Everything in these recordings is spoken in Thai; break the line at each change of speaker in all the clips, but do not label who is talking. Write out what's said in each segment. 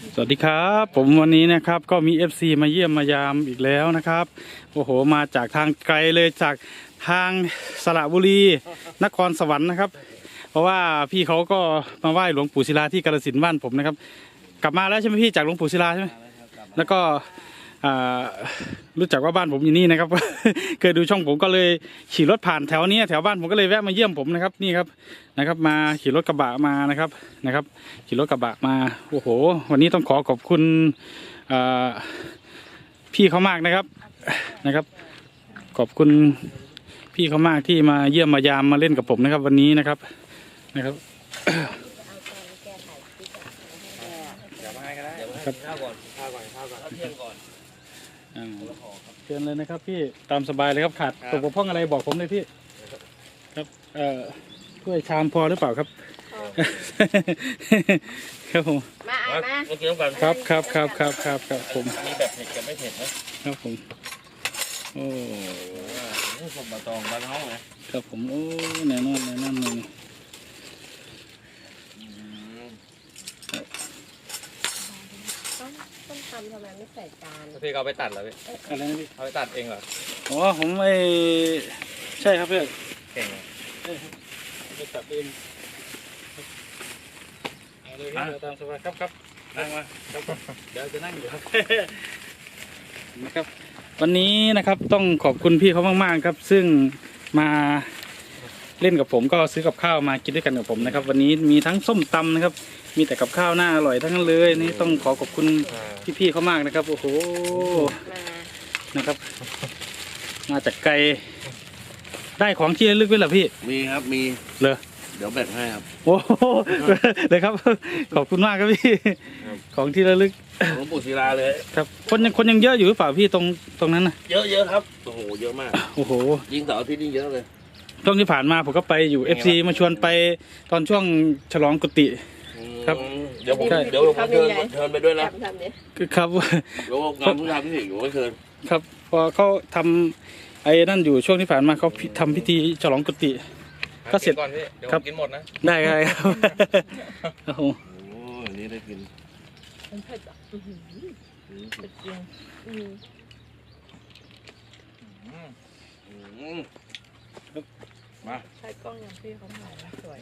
สวัสดีครับผมวันนี้นะครับก็มี FC มาเยี่ยมมายามอีกแล้วนะครับโอ้โหมาจากทางไกลเลยจากทางสระบุรีนครสวรรค์นะครับเพราะว่าพี่เขาก็มาไหว้หลวงปู่ศิลาที่กาฬสินธุ์บ้านผมนะครับกลับมาแล้วใช่ไหมพี่จากหลวงปู่ศิลาใช่ไหมแล้วก็รู้จักว่าบ้านผมอยู่นี่นะครับ เคยดูช่องผมก็เลยขี่รถผ่านแถวนี้แถวบ้านผมก็เลยแวะมาเยี่ยมผมนะครับนี่ครับมาขี่รถกระบะมานะครับขี่รถกระบะมาโอ้โหวันนี้ต้องขอบคุณพี่เขามากนะครับขอบคุณพี่เขามากที่มาเยี่ยมมายามมาเล่นกับผมนะครับวันนี้นะครับ
เดี๋ยวมาให้ก็ได้เดี๋ยวมาให้ข้าวก่อนเที่ยงก่อน
เชิญเลยนะครับพี่ตามสบายเลยครับขาดตกบกพร่องอะไรบอกผมเลยพี่ครับถ้วยชามพอหรือเปล่าครับครับผม
มา
กินน้ำกัน
ครับผม
มีแบบเผ็ดกับไม่เผ็ดนะครับ
ผมโอ้
สมบัติตองบ้านเฮาไง
ครับผมโอ้แน่นอนเลย
ต้องทำทำไมไม่ใส่จาน
พี่เอาไปตัดเหรอพี่
อะไรนะพี่
เอาไปตัดเองเหรอ
อ๋อผมใช่ครับพี่
เก่ง
ไปตัดเองเอาเลยตามสบายครับนั่งมาครับเดี๋ยวจะนั่งอยู่ครับนะครับวันนี้นะครับต้องขอบคุณพี่เขามากๆครับซึ่งมาเล่นกับผมก็ซื้อกับข้าวมากินด้วยกันกับผมนะครับวันนี้มีทั้งส้มตำนะครับมีแต่กับข้าวหน้าอร่อยทั้งนั้นเลยนี่ต้องขอบคุณพี่ๆเขามากนะครับโอ้โหนะครับมาจากไกลได้ของที่ระลึกไว้เหรอพี่
มีครับมี
เลย
เดี๋ยวแบ่งให้ครับ
โอ้เลยครับขอบคุณมากครับพี่ของที่ระลึก
หลวงปู่ศิลาเลย
ครับคนยังเยอะอยู่หรือเปล่าพี่ตรงนั้นนะ
เยอะครับโอ้โหเยอะมาก
โอ้โห
ยิงเสาร์อาทิตย์นี่เยอะเลย
ช่วงที่ผ่านมาผมก็ไปอยู่ FC มาชวนไปตอนช่วงฉลองกุฏิครับ
เดี๋ยวผมเชิญไปด้วยนะครับเดี๋ยวงานผู้ทำพิธีอยู่ก็เชิญ
ครับพอเขาทำไอ้นั่นอยู่ช่วงที่ผ่านมาเขาทำพิธีฉลองกุฏิก็เสร็จ
ก่อนพี่เดี๋ยวกินหมดนะ
ได้ครับโอ้โห
นี่ได้กิน
มันเผ็ดอ่ะเผ็ดจริง
มา
ใช้กล้องอย่างพี่เขาถ่ายนะสวย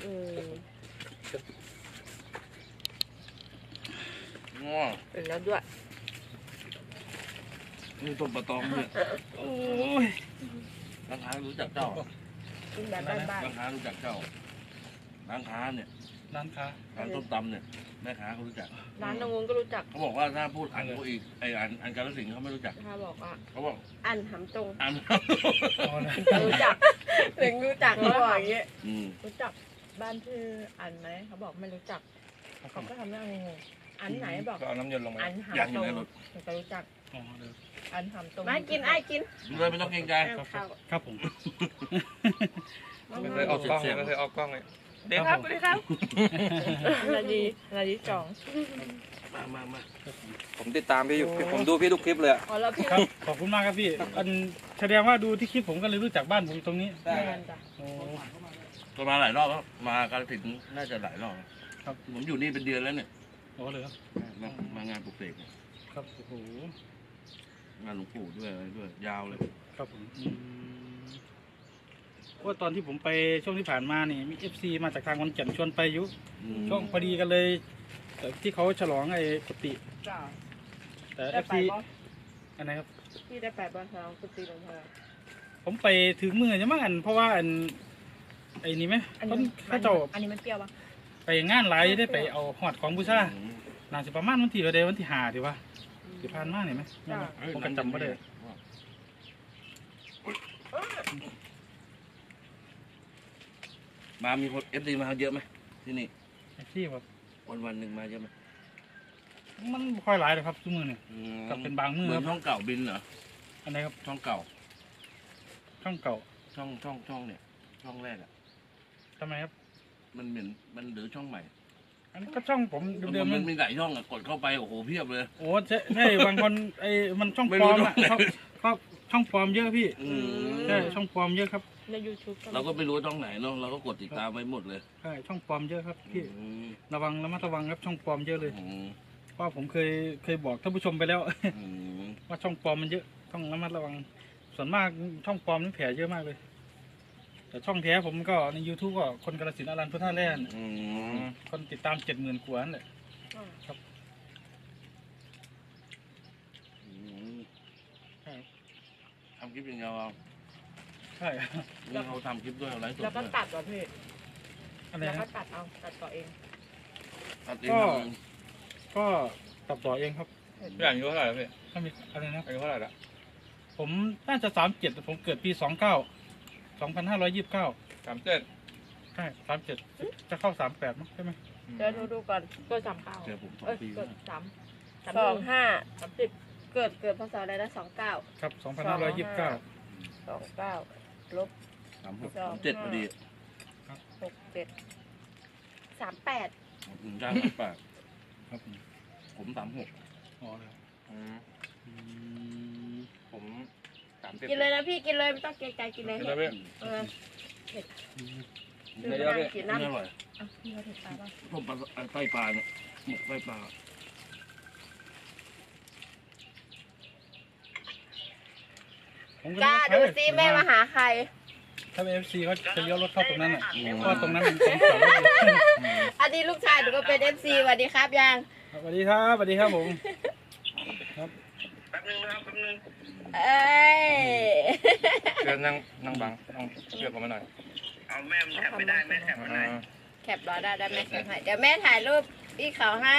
เป็นแล้วด้วย
นี่ต้มปลาตองเนี่ย
โอ้ย
ร้านค้ารู้จักเจ้า
กินแบบบ้าน
ร้านค้ารู้จักเจ้าร้านค้าเนี่ยร้านต้มตำเนี่ยแม่ค้าเขารู้จัก
ร้านนงงก็รู้จัก
เขาบอกว่าถ้าพูดอันเขาอีกอันกาฬสินธุ์เขาไม่รู้จัก
เขาบอกว่า
อั
นหำตรงรู้จักถึงรู้จักเขาบอกอย่างนี้รู้จักบ้านชื่ออันไหมเขาบอกไม่รู้จักเขาก็ทำหน้างงอันไหนบอก
เอาน้ำยนต์ลงมา
อันหำตรงถึงจะรู้จักอันหำตรงไม่กินกิน
เลยไม่ต้องเกรงใจ
ครับผม
ไม่เคยออกกล้องเลย
เดี๋ยวครับนาดีจ่อง
มาผมติดตามพี่อยู่ผมดูพี่ทุกคลิปเลย
ครับขอบคุณมากครับพี่แสดงว่าดูที่คลิปผมก็เลยรู้จักบ้านผมตรงนี้
ก็มาหลายรอบแล้วมากาฬสินธุ์น่าจะหลายรอบครับผมอยู่นี่เป็นเดือนแล้วเนี่ย
โอ้เลยครับ
มางานปลุกเสก
ครับโอ้โห
งานหลวงปู่ด้วยอะไรด้วยยาวเลย
ครับผมว่าตอนที่ผมไปช่วงที่ผ่านมานี่มี FC มาจากทางขอนแก่นชวนไปอยู่ช่วงพอดีกันเลยที่เขาฉลองไอ้กุฏิแต่ FC อันไหนครับ
ที่ได้ไปบ้านฉลองกุฏิหลวงพ่อ
ผมไปถึงมือจะมั้งเพราะว่าไอ้นี่ไหมเขาเจ้า
อันนี้มันเปรี้ยวปะ
ไปงานหลายได้ไปเอาหอดของบูชาน่าจะประมาณวันที่เดียววันที่5ถือว่าที่ผ่านมาเนี่ยไหมผมก็จำไม่ได้
มามีคนFCมาเยอะไหมที่นี่
ที่แบบ
วันหนึ่งมาเยอะไหม
มันค่อยหลายเลยครับทุกมือเนี่ยกับเป็นบางมือ
ช่องเก่าบินเหรอ
อันไหนครับ
ช่องเก่า
ช่อง
เนี่ยช่องแรกอ่ะ
ทำไมครับ
มันหรือช่องใหม่
อันก็ช่องผมเดิม
มันมีหลายช่องอ่ะกดเข้าไปโอ้โหเพียบเลย
โอ้ใช่บางคนมันช่องปลอมอ่ะช่องปลอมเยอะพี่ใช่ช่องปลอมเยอะครับ
ใน YouTube
เราก็ไม่รู้ช่องไหนเนาะเราก็กดติดตามไว้หมดเลย
ใช่ช่องปลอมเยอะครับพี่ระมัดระวังครับช่องปลอมเยอะเลยเพราะผมเคยบอกท่านผู้ชมไปแล้ว
อืม
ว่าช่องปลอมมันเยอะต้องระมัดระวัง ส่วนมากช่องปลอมนี่แผลเยอะมากเลย แต่ช่องแท้ผมก็ใน YouTube ก็คนกาฬสินธุ์อรันพุทธาแล่น
อืม
คนติดตาม 70,000 กว่านั่นแหละ
อืม
ใช่
ทำคลิปอย่างเดียวเอา
ใช่
นี่เขาทำคลิปด้วยเอาไลฟ์สด
แล้วก็
ด้วย
ตัดเหรอพี่
อะไร
แล้วก็
นะ
ตัดเอาตัดต่อเอง
ตัดเอง
ก็
ทำเอง
ก็ตัดต่อเองครับ
พี่อายุเท่าไหร่แล้วพี่
ถ้ามีอะไรนะ
อายุเท่าไหร่ละ
ผมน่าจะ37ผมเกิดปี29 2529
37
ใช่37จะเข้า38มั้งใช่ไหม
เดี๋ยวดูก่อนเกิด39
เจอผม2 ปี
เกิด
แล้ว
35 30เกิดพศอะไรนะ29
ครับ 2529
29ลบ
36 37พอดี
67 38
อืมจ้างปาก
ครับผม
ผม36
อ๋อครับ
อืม
อืม
ผม30
กินเลยนะพี่กินเลยไม่ต้องเกรงใจกินเลย
กินแล้วพี่
เออ
เดี๋ยวๆพี่
กิน
นี่
น้ำ
อร่อย
อ่ะพี่เอาเผ็ดปลาป่ะ
ต้มปลาไส้ปลาเนี่ยหมกไส้ปลา
ผม
กล้าดูซิแม่มาหาใคร
ถ้าเป็น FC เขาจะเลี้ยวรถเข้าตรงนั้นอ่ะเพราะว่าตรงนั้นมันของจอดรถอยู่
อันนี้ลูกชายหนูก็เป็น FC สวัสดีครับยัง
สวัสดีครับสวัสดีครับผม
เอ้ย
เชิญนั่งบังนั่งเชือกผมมาหน่อย
เอาแม่แคปไม่ได้แม่แคปไม่ได้แคปรอได้แม่แคปให้เดี๋ยวแม่ถ่ายรูปพี่เขาให้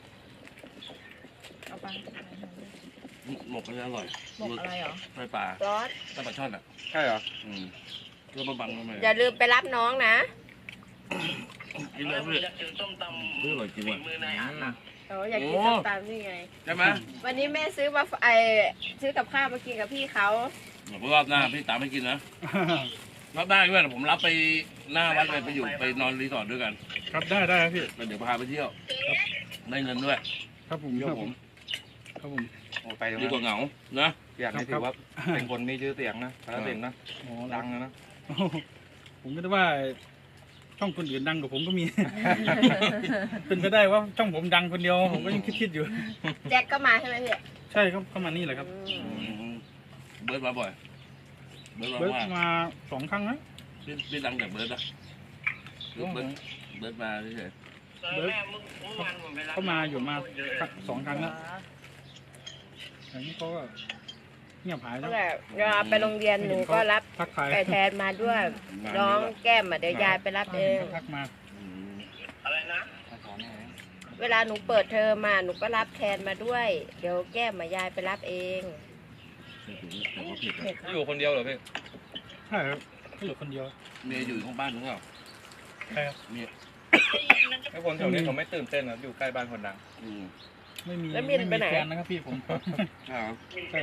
เอาไป
หมกก็จะอร่อย
หมกอะไรเหรอ
ไส้ปลา
ซอส
ไส้ปลาช่อนอ่ะ
ใช่เหรอ
อืมเรื่องมาบังทำไม
อย่าลืมไปรับน้องนะ
กินเลยเพื่อนเรื่องอร่อยจริงว่ะ
โอ้อยากกินส้มตำนี่ไง
ใช่ไหม
วันนี้แม่ซื้อมาซื้อกับข้าวมากินกับพี่เขา
เดี๋ยวรอบหน้าพี่ตามให้กินนะรอบหน้าเพื่อนผมรับไปหน้าวัดไปอยู่ไปนอนรีสอร์ทด้วยกัน
ครับได้ครับพี่
แล้วเดี๋ยวพาไปเที่ยวได้เงินด้วย
ครับผม
เที่ยวผม
ครับผม
โอ้ไปตรง
ดี
นั้น
กว่าเหงานะ
อยากให้ถือว่าเป็นคนมีชื่อเสียงนะกาฬสินธุ์นะ
อ๋อ
ดังนะ
โอ้โหผมก็ได้ว่าช่องคนอื่นดังกว่าผมก็มี เป็นไปได้ว่าช่องผมดังคนเดียวผมก็ยังคิดอยู่
แจ็คก็มาใช่ไหมพี่
ใช่ครับเข้ามานี่แหละครับ
อืม
อืมเบิร์ดมาบ่อยเบิร์ดมา
เบิร์ด
ว่า
มา2 ครั้งนะ
พี่ดังจากเบิร์ดนะเบิร์ดมาเฉย
เบิร์ดเข้ามาอยู่มา2 ครั้งแล้วอย่างนี้เขาก็เงียบหายแล้
นั่
วน
แหละเวลาไปโรงเรียนหนูก็รับ
ทักทาย
ไก่แทนมาด้วย น้องแก้มอ่ะเดี๋ยวยายไปรับเอง
ทักมา
อืม
มาสอนให้
เวลาหนูเปิดเทอมมาหนูก็รับแทนมาด้วย เดี๋ยวแก้มมายายไปรับเอง
แต่ว่าผิด
เผ็ด
อยู่คนเดียวเหรอพี่
ใช่ครับก็อยู่คนเดียว
เมียอยู่ข้างบ้านหรือเปล่า
ใช่ครับ
เมีย
ไอ้คนแถวนี้เขาไม่ตื่นเต้นนะอยู่ใกล้บ้านคนดัง
อืม
ไม่มี
แล้วมินไปไหน
แฟนนะครับพี่ผม
ใช่เหรอ
ใช่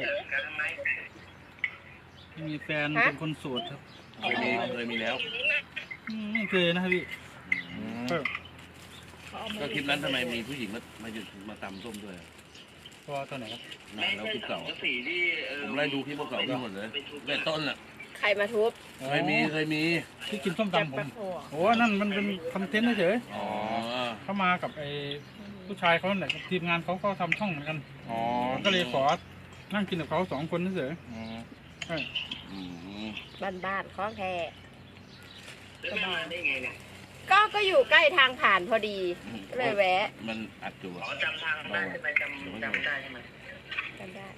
ไม่มีแฟนเป็นคนโสดครับ
เคยมีแล้ว
ไม่เคยนะครับพี่
อืม
ก็
ก็คลิปนั้นทำไมมีผู้หญิงมาตำส้มด้วยอะ
พอตอนไหนครับ
นานแล้วคลิปเก่าอะผมไล่ดูคลิปเก่าทั้งหมดเลยแต่ต้นอ่ะ
ใครมาทุบ
เคยมี
ที่กินส้ม
แจ็ค
ตำผ
แป๊
ม
บโฮอ่ะ
โอ้นั่นมันเป็นคอนเทนต์เฉย
อ๋อ
ๆเขามากับไอ้ผู้ชายเขาเนี่ยทีมงานเขาก็ทำช่องเหมือนกัน
อ๋อ
ผมก็เลยขอนั่งกินกับเขา2 คนเฉย
อืม
ๆใช่
อืม
บ้านๆของแท้สบายก็อยู่ใกล้ทางผ่านพอดีก็เลยแวะ
มันอัดอยู่อะ
จำทางได้ใช่ไหมจำได้ใช่ไหม
กันได้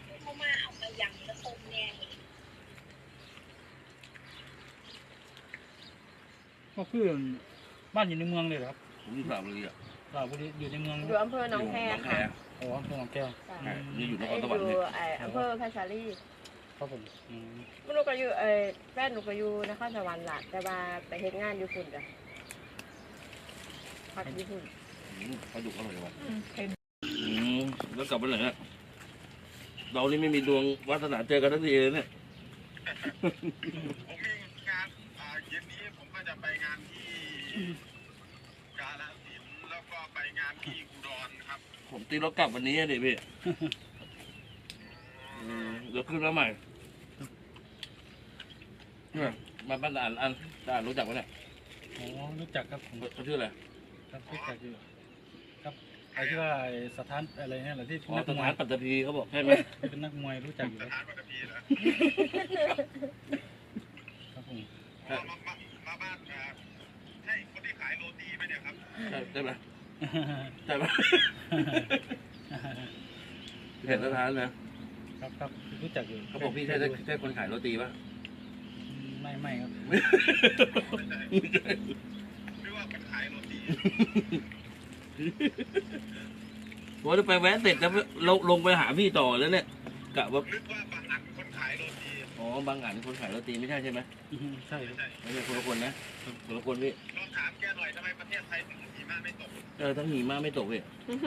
ก็คือบ้านอยู่ในเมืองเลยเหรอครับ
ผมอยู่สระบุรีอ่ะ
สระบุรีอยู่ในเมือง
อยู่อำเภอหนองแค
อยู่
ค่ะ
อ๋ออำเภอหนองแก้ว
จ้ะ
นี่อยู่นค
ไอ้
ร
อ
สวรรค์
ยู่
เนี่ย
อำเภอพัชรี
ครับผมอืม
หนูก็อยู่แฟนหนูก็อยู่นครสวรรค์ล่ะแต่ว่าไปเฮ็ดงานอยู่ฝุ่นจ้ะพักอยู่ฝุ่น
ปลาดุกอร่อยว่ะแล้วกลับไปไหนอะเรานี่ไม่มีดวงวาสนาเจอกันทั้งทีเลยเนี่ย
ผมมีงานเย็นนี้ผมก็จะไปงานที่กาฬสินธุ์แล้วก็ไปงานที่อุดรครับ
ผมตีรถกลับวันนี้อะดิพี่เดี๋ยวขึ้นมาใหม่เนี่ยมาบ้านอ่านรู้จักไหมเนี่ย
อ๋อรู้จักครับผม
เขาชื่ออะไร
ครับรู้จักอยู่ครับไอ้ที่ว่าไอ้สถานอะไรเนี่ยเหรอที่
อ๋อ
นัก
ส
มว
ถาย นปัตตภีเขาบอกใช่ไหม
ที่เป็นนักมวยรู้จักอยู่
ส
แล้ว
ถานปัตตภีเหรอ
ครับผม
มาบ้านใช่คนที่ขายโรตีไหมเนี่ยครับ
ใช่ไหมใช่ไหมเห็นสถานนะครับ
ครับรู้จักอยู่
เขาบอกพี่ใช่คนขายโรตีป่ะ
ไม่ครับ
หรือว่าคนขายโรตี
ว่าจะไปแวะเสร็จแล้วลงไปหาพี่ต่อแล้วเนี่ยกะว่า
นึกว่าบางอันคนขายโรตี
อ๋อบางอันคนขายโรตีไม่ใช่ใช่ไหม
ใช่ครับ
ไม่ใช่คนละคนนะคนละคนพี่
ลองถามแกหน่อยทำไมประเทศไทยถึงหิมะไม่ตก
ทั้งหิมะไม่ตกพี่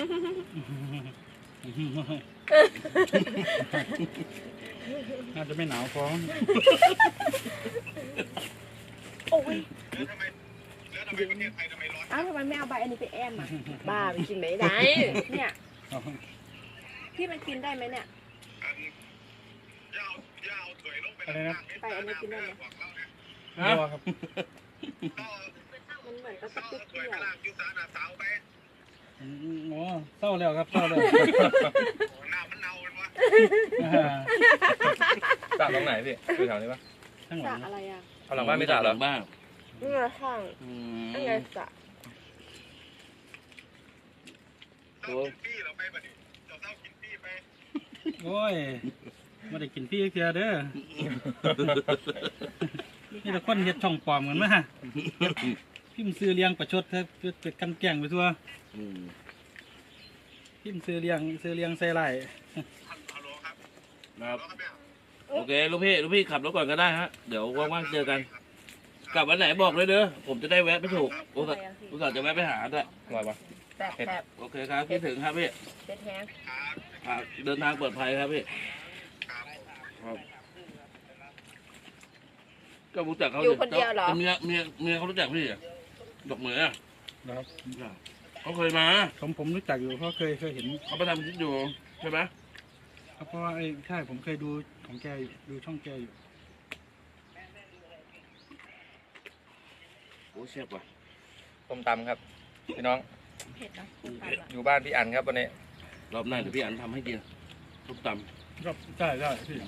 น่าจะไม่หนาวพอ
โอ้ย
แล้วทำไมประเทศไทยทำไมร้อน
อ้าวทำไมไม่เอาใบอันนี้ไปแอมอ่ะ บ้าไปกินไม่ได้ เนี่ยพี่มันกินได้ไหมเนี่ย
อันยาวถวยลงไป
อะไรนะ
ไปอันนี้กินได้ไหม
บอกเล่าเนี่ย
รัวครับ
ก็
มันเหมือนกับ
ก็
ติ๊ก
ถ
เก
วย
ลี
ไป
ยว
ลากยูซาหน้าเสาไป
อ๋อเศร้าแล้วครับเศร้าแล้ว
หน้ามันเน่าเป็นวะ
สระตรงไหนพี่อยู่แถวนี้ปะ
ข้างห
ส
ลั
ระ
ง
อะไรอ่ะ
เอาหลังบ้านไม่สระเหรอ
บ้าน
นี่ไงข้างนี่ไงสระ
เศร้ากินปี้เราไปบ่ดิเศร้ากินปี้ไป
โอ้ยไม่ได้กินพี่เพียเด้อนี่แต่คนเฮ็ดช่องปลอมกันมาพิมพ์ซื้อเลี้ยงประชดเธอเป็นกันแกล้งไปทั่วพิมพ์ซื้อเลี้ยงใส่ไร่
ฮัลโหลครับ
นะครับ
ฮัลโหลครับเนี่ย
โอเคลูกพี่ขับรถก่อนก็ได้ฮะเดี๋ยวว่างๆเจอกัน กลับวันไหนบอกเลยเด้อผมจะได้แวะไปถูกอุตส่าห์จะแวะไปหาด้วย
อร่อยปะ
แบบ
โอเคครับคิดถึงครับพี่
เด็ดแห้ง
ครับ
เดินทางปลอดภัยครับพี่
ครับ
ครับก็รู้จักเขา
อยู่คนเดียวเหรอ
เมียเขารู้จักพี่เหรอดอกเหมยอะ
นะครับ
เขาเคยมา
ผมรู้จักอยู่เพราะเคยเห็น
เขาไปทำคลิปอยู่ใช่ไหม
เพราะว่าไอ้ใช่ผมเคยดูของแกอยู่ดูช่องแกอยู่
โอ้เชฟว่ะ
ต้มตำครับพี่น้อง
เผ็ดนะ
อยู่บ้านพี่อันครับวันนี้
รอบหน้าเดี๋ยวพี่อันทำให้กินทุกต
ครับใช่พี่
ำ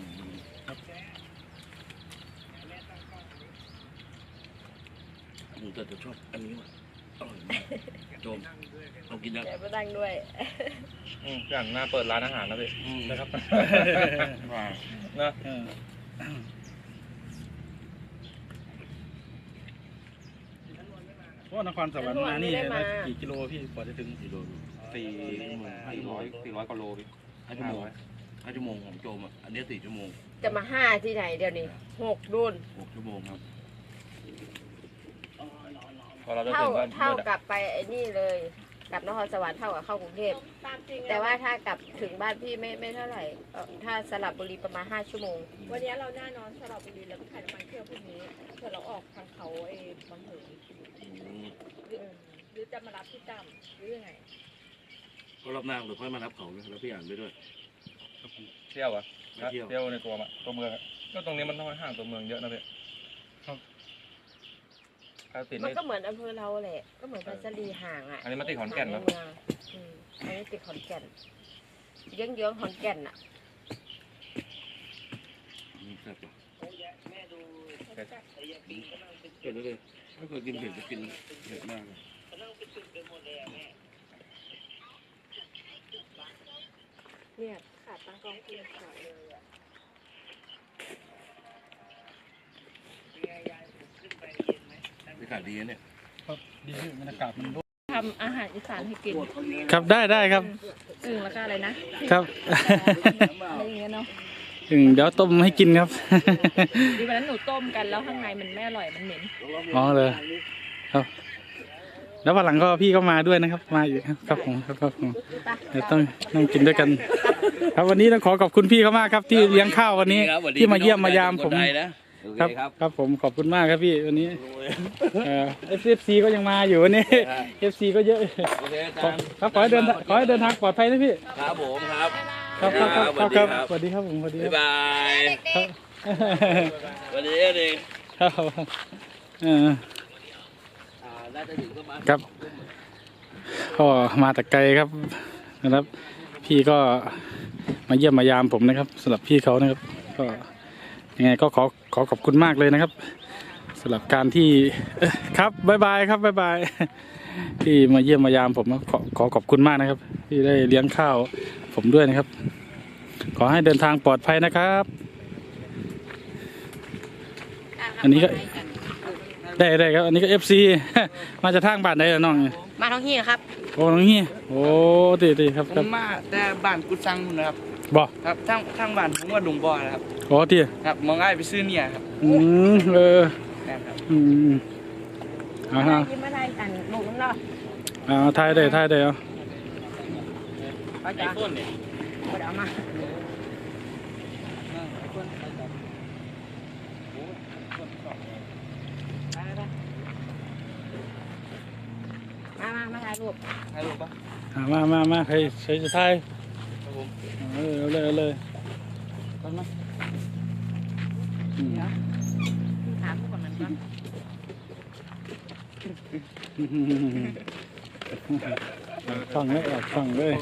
ผมจะชอบอันนี้ว่ะอร่อยมากโจมลองกินยัง
เดี๋ยวไปดังด้วย
พี่อันน่าเปิดร้านอาหารนะพี่
นะครับ
ว้าว
นะ
เพราะนครสวรรค์มานี่ได้กี่กิโลพี่กว่าจะถึง
กิโล
400กว่าโลพี่
5 ชั่วโมงของโจมอ่ะอันนี้4 ชั่วโมง
จะมาห้าที่ไหนเดี๋ยวนี้6รุ่น
6 ชั่วโมงครับ
พอเราจะ
เท่า
ถึงบ้าน
เท่ากับไปไอ้นี่เลยกลับนครสวรรค์เท่ากับเข้ากรุงเทพแต่ว่าถ้ากลับถึงบ้านพี่ไม่เท่าไหร่ถ้าสลับบุรีประมาณ5 ชั่วโมง วันนี้เราแน่นอนสลับบุรีแล้วก็ขายน้ำมันเครื่องพวกนี้เผื่อเราออกทางเขาไอ้บางเหินหรือจะมารับที่จำหรือยังไง
ก็รอบหน้าเดี๋ยวค่อยมารับเขานะแล้วพี่อ่านไปด้วย
เที่ยวอะ
เที่ยว
เที่ยวในตัวเมืองอะก็ตรงนี้มันน้อยห่างตัวเมืองเยอะนะพี่ถ้าติด
มัน
นี่
ก็เหมือนอำเภอเราแหละก็เหมือนพัชรีห่างอ่ะ
อันนี้มันติดขอนแก่นเนอะ
อันนี้ติดขอนแก่นเยื้องๆขอนแก่นอ่ะ
แซ่บป่ะเผ็ดเลยถ้าเกิดกินเผ็ดจะกินเผ็ดมากเลย
เนี่ยขาดตั้งกล้องเพียงขาดเลยอ่ะ
บรรยากาศดีนะเนี่ย
ครับดีที่บรรยากาศมันร่ม
ทำอาหารอีสานให้กิน
ครับได้ครับ
แล้วก็อะไรนะครับ อะไรอย่างเงี้ยเนาะ
เดี๋ยวต้มให้กินครับ
ดีวันนั้นหนูต้มกันแล้วข้างในมันไม่อร่อยมันเหม็น
อ๋อเลยครับ แล้ววันหลังก็พี่ก็มาด้วยนะครับ มาอยู่ครับผมครับผมเดี๋ยวต้องนั่งกินด้วยกัน ครับวันนี้ต้องขอบคุณพี่เขามากครับ ที่เลี้ยงข้าววันนี้ ที่มาเยี่ยมมายามผม ครับผมขอบคุณมากครับพี่วันนี้FC ก็ยังมาอยู่วันนี้ FC ก็เยอะ
โอเค
ครับขอให้เดินทางปลอดภัยนะพี่
ครับผมครับ
ครับสวัสดีครับผมสวัสดีครับ
บ๊ายบาย
ครับ
สวัสดีดี
ครับ
น่าจะถึงประมาณ
ครับก็มาแต่ไกลครับนะครับ พี่ก็มาเยี่ยมมายามผมนะครับสำหรับพี่เขานะครับ ก็ยังไงก็ขอขอบคุณมากเลยนะครับสำหรับการที่ครับบ๊ายบายครับบ๊ายบาย ที่มาเยี่ยมมายามผมนะขอขอบคุณมากนะครับ ที่ได้เลี้ยงข้าวผมด้วยนะครับ ขอให้เดินทางปลอดภัยนะครับ อันนี้ก็ได้ครับ อันนี้ก็ FC มาจากทางบ้านไหนล่ะน้อง
มาท้องที่นะครับ
โอ้น้องเฮียโอ้ดีครับ
ผ
ครับ
มมาแต่บ้านกุดซังนู่นนะครับ
บ่
ครับทางบ้านผมว่าดุงบ่อนะครับ
โอ้ที่
ครับมองง่ายไปซื้อเนี่ยครับ แม่นครับ
เอาฮะ
ยิ้มอะไรกันลูกน้ำเนาะ
เอาถ่ายได้เอา
เขาจะเอามามาถ่ายรูป
ให้รู้ปะ
มาใครจะถ่ายเอาเลยต้นมา
ถามก่อนมันก่อน
ฟังเลยฟังเลย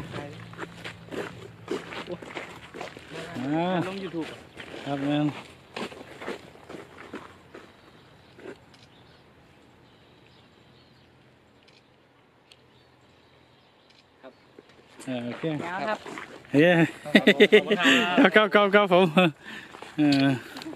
อ่า
ลง YouTube
ครับแม่นโอเค
แล้วครับ
เฮ้ย
ขอบคุณครับ
ครับผม